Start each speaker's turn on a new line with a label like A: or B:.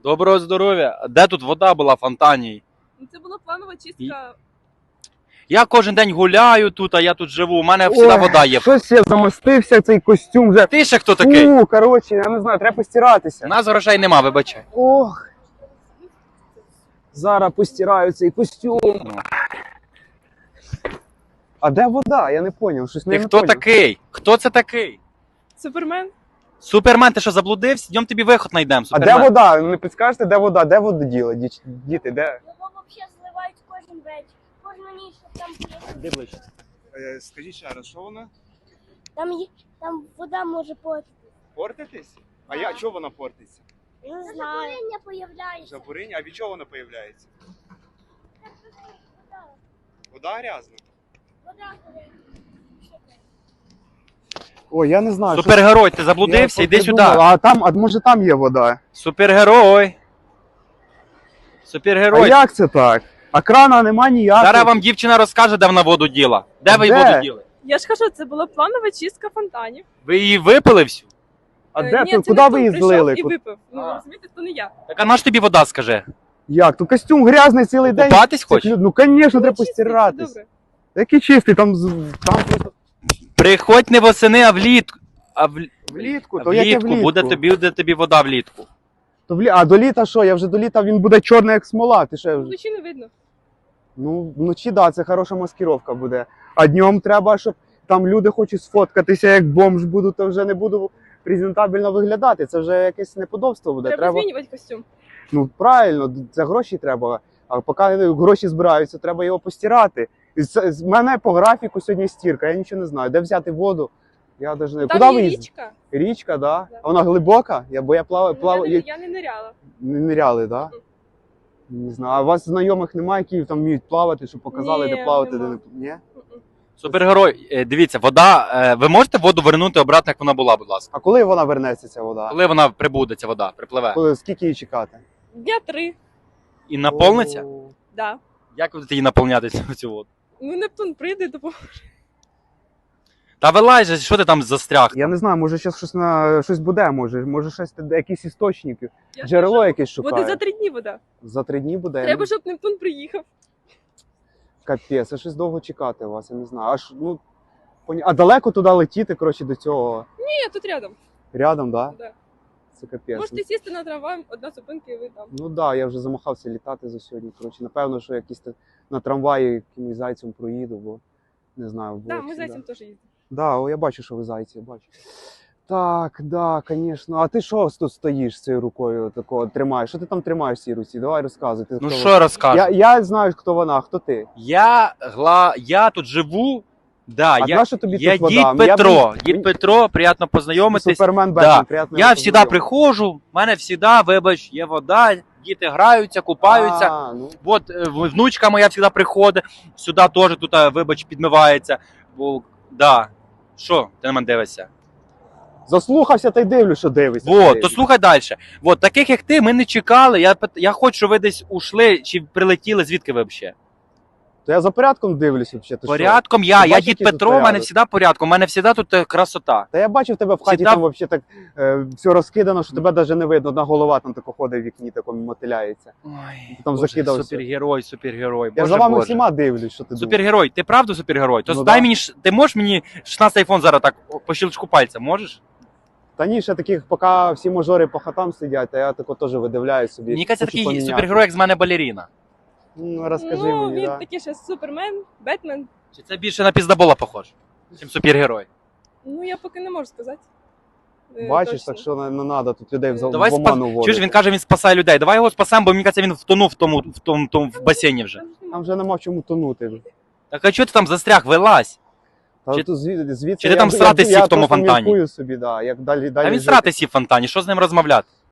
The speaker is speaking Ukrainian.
A: Доброго здоров'я. Де тут вода була в фонтані?
B: Це була планова чистка.
A: Я кожен день гуляю тут, а я тут живу. У мене завжди вода є.
C: Щось я замостився, цей костюм вже.
A: Ти ще хто такий?
C: Коротше, я не знаю, треба постиратися.
A: У нас грошей нема, вибачай.
C: Ох. Зараз постираю цей костюм. А де вода? Я не зрозумів. Щось
A: Ти
C: не
A: хто
C: поняв.
A: такий? Хто це такий?
B: Супермен.
A: Супермен, ти що заблудився? Йдем тобі виход знайдемо,
C: А
A: Супермен.
C: де вода? Не підскажете, де вода? Де воду діли? Діти, де?
D: Його взагалі зливають кожен вечір. Кожну ніч, щоб там було.
A: Дивись.
C: Скажіть ще раз, що вона?
D: Там вода може портити.
C: Портитись?
D: А я-
C: чого вона портиться?
D: Не знаю. Запалення появляється.
C: Запоріння? А від чого вона появляється?
D: Вода.
C: Вода грязна?
D: Вода горить.
C: Ой, я не знаю.
A: Супергерой, ти заблудився? Іди сюди.
C: А може там є вода?
A: Супергерой. Супергерой.
C: А як це так? А крана нема ніякого.
A: Зараз вам дівчина розкаже, де вона воду діла. Де ви
C: Де?
A: воду діли?
B: Я ж кажу, це була планова чистка фонтанів.
A: Ви її випили всю?
C: А
B: Ні,
C: де
B: це
C: тут? Куди
B: не
C: ви
B: хто
C: її
B: прийшов
C: злили?
B: і випив. Ну,
A: А.
B: розумієте, то не я.
A: Так а на ж тобі вода, скажи?
C: Як? Тут костюм грязний цілий день.
A: Купатись
C: Це
A: хочеш?
C: Ну, звісно, треба
B: Чистий,
C: постиратись.
B: добре.
C: Який чистий? Там просто
A: Приходь не восени, а влітку.
C: влітку.
A: А
C: То яке
A: влітку буде тобі вода влітку.
C: А до літа що? Я вже до літа він буде чорний, як смола. Ти що?
B: Вночі не видно.
C: Ну, вночі, да, це хороша маскировка буде. А днем треба, щоб там люди хочуть сфоткатися, як бомж буду, то вже не буду презентабельно виглядати. Це вже якесь неподобство буде.
B: Треба змінювати костюм.
C: Ну, правильно, це гроші треба. А поки гроші збираються, треба його постирати. І з мене по графіку сьогодні стірка, я нічого не знаю. Де взяти воду? Я навіть не
B: Там
C: Куди
B: є
C: ви їздите?
B: річка.
C: Річка, да?
B: Да.
C: А вона глибока? Бо я плаваю.
B: Я не ниряла.
C: Не ниряли, да? Не знаю. А у вас знайомих немає, які там вміють плавати, щоб показали,
B: Ні,
C: де плавати, де
B: нема.
C: не. Ні?
B: Мгм.
A: Дивіться, дивіться, вода. Ви можете воду вернути обратно, як вона була, будь ласка.
C: А коли вона вернеться, ця вода?
A: Коли вона прибуде, ця вода, припливе.
C: Скільки її чекати?
B: Дня 3.
A: І наповниться?
C: О.
B: Да.
A: Як ви будете її наповняти цю воду?
B: Ну, Нептун прийде, допоможе.
A: Та вилазь, же, що ти там застряг?
C: Я не знаю, може зараз щось буде, може щось, якісь істочники,
B: Я ж
C: джерело
B: кажу,
C: якесь
B: буде
C: шукає.
B: за 3 дні вода.
C: За 3 дні буде.
B: Треба, щоб Нептун приїхав.
C: Капець, а щось довго чекати вас, я не знаю. А далеко туди летіти, коротше, до цього
B: Ні, тут рядом.
C: рядом, да?
B: Да.
C: Це капець.
B: Можете сісти на трамвай, одна зупинка і ви там.
C: Ну так, да, я вже замахався літати за сьогодні. Коротше, напевно, що якийсь на трамваї якимось зайцем проїду, бо не знаю.
B: Так,
C: було
B: ми
C: всі,
B: зайцем теж їздимо.
C: Да, я бачу, що ви зайці, я бачу. Так, да, звісно. А ти що тут стоїш з цією рукою такого тримаєш? Що ти там тримаєш в цій руці? Давай розказуй. Ти
A: Ну
C: хто
A: що розкажу?
C: я знаю, хто вона, а хто ти.
A: Я тут живу. Да,
C: А
A: я
C: нащо тобі
A: я
C: тут вода?
A: дід
C: Я
A: Петро.
C: б-
A: Дід Петро, приємно познайомитись.
C: Супермен
A: Да.
C: Бетмен, приємно.
A: Я завжди
C: познайомитися.
A: приходжу, в мене завжди, вибач, є вода, діти граються, купаються.
C: А, ну.
A: От внучка моя завжди приходить, сюди теж тут, вибач, підмивається. Бо, да. Що ти на мене дивишся?
C: Заслухався та й дивлюсь, що дивишся.
A: Вот, то слухай далі. От, таких як ти, ми не чекали. Я хочу, щоб ви десь ушли чи прилетіли, звідки ви взагалі?
C: То я за порядком дивлюсь взагалі.
A: Порядком
C: Ти
A: я
C: бачиш,
A: дід
C: який тут
A: Петро, в мене
C: порядок?
A: завжди порядком, у мене завжди тут красота.
C: Та я бачив тебе в хаті,
A: Всегда-
C: там взагалі так все розкидано, що тебе навіть не видно. Одна голова там тако ходить в вікні, такому мотиляється.
A: Ой,
C: Там
A: Боже,
C: закидався.
A: супергерой.
C: Я
A: Боже,
C: за вами
A: Боже.
C: всіма дивлюсь, що ти думаєш.
A: Супергерой, ти правда супергерой? То
C: Ну
A: дай
C: да.
A: мені, ти можеш мені 16 айфон зараз так по щелчку пальця, можеш?
C: Та ні, ще таких, поки всі мажори по хатам сидять, а я тако теж видивляюсь собі.
A: Мені кажеться,
C: хочу
A: такий
C: поміняти.
A: супергерой, як з мене балеріна.
C: Ну, розкажи
B: Ну,
C: мені,
B: він
C: да.
B: такий ще Супермен, Бетмен.
A: Чи це більше на піздабола похож, ніж супергерой?
B: Ну, я поки не можу сказати.
C: Бачиш,
B: Точно.
C: так що не треба тут людей в
A: Давай
C: оману вводити.
A: Чуєш, він каже, він спасає людей. Давай його спасемо, бо мені кажеться, він втонув в басейні вже.
C: Там вже нема в чому тонути.
A: Так а чого ти там застряг? Вилазь.
C: Та
A: Чи-
C: тут звідси
A: чи ти там срати сів в тому
C: Я
A: фонтані?
C: міркую собі, да, як далі
A: А він
C: жити.
A: срати сів в фонтані, що з ним розмовляти?